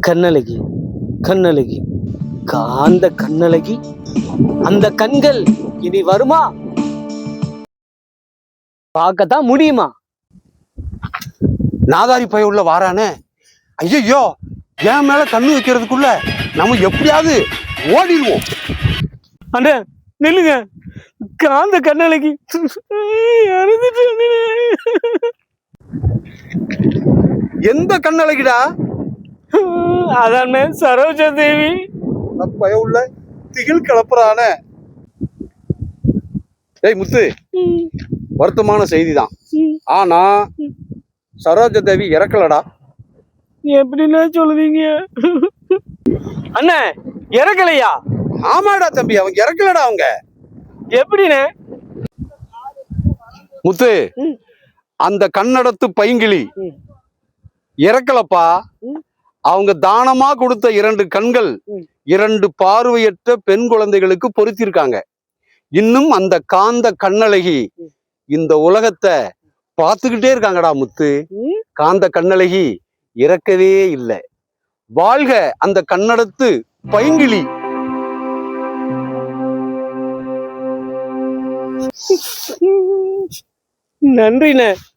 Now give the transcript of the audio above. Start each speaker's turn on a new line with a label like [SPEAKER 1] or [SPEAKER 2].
[SPEAKER 1] கண்ணழகி கண்ணழகி காந்த கண்ணழகி, அந்த கண்கள் இனி வருமா? பார்க்கத்தான் முடியுமா?
[SPEAKER 2] நாதாரி பய உள்ள வாரானே. ஐயோ, என் மேல கண்ணு வைக்கிறதுக்குள்ள நம்ம எப்படியாவது ஓடிடுவோம்.
[SPEAKER 1] அண்ணே நில்லுங்க, காந்த கண்ணழகி
[SPEAKER 2] எந்த கண்ணழகிடா?
[SPEAKER 1] அதானே சரோஜா தேவி.
[SPEAKER 2] பய உள்ள திகில் கிளப்புறானே. ஏய் முத்து, வருத்தமான செய்திதான். ஆனா சரோஜா தேவி இறக்கலடா.
[SPEAKER 1] எப்படின்னா சொல்லுவீங்க அண்ணே? இறக்கலையா?
[SPEAKER 2] ஆமாடா தம்பி, அவங்க இறக்கலடா. அவங்க
[SPEAKER 1] எப்படின்னு
[SPEAKER 2] முத்து, அந்த கண்ணடத்து பைங்கிளி இறக்கலப்பா. அவங்க தானமா கொடுத்த 2 கண்கள் 2 பார்வையற்ற பெண் குழந்தைகளுக்கு பொருத்திருக்காங்க. இன்னும் அந்த காந்த கண்ணழகி இந்த உலகத்தை பார்த்துக்கிட்டே இருக்காங்கடா முத்து. காந்த கண்ணழகி இறக்கவே இல்லை. வாழ்க அந்த கண்ணடத்து பைங்கிளி.
[SPEAKER 1] நன்றிண்ணே.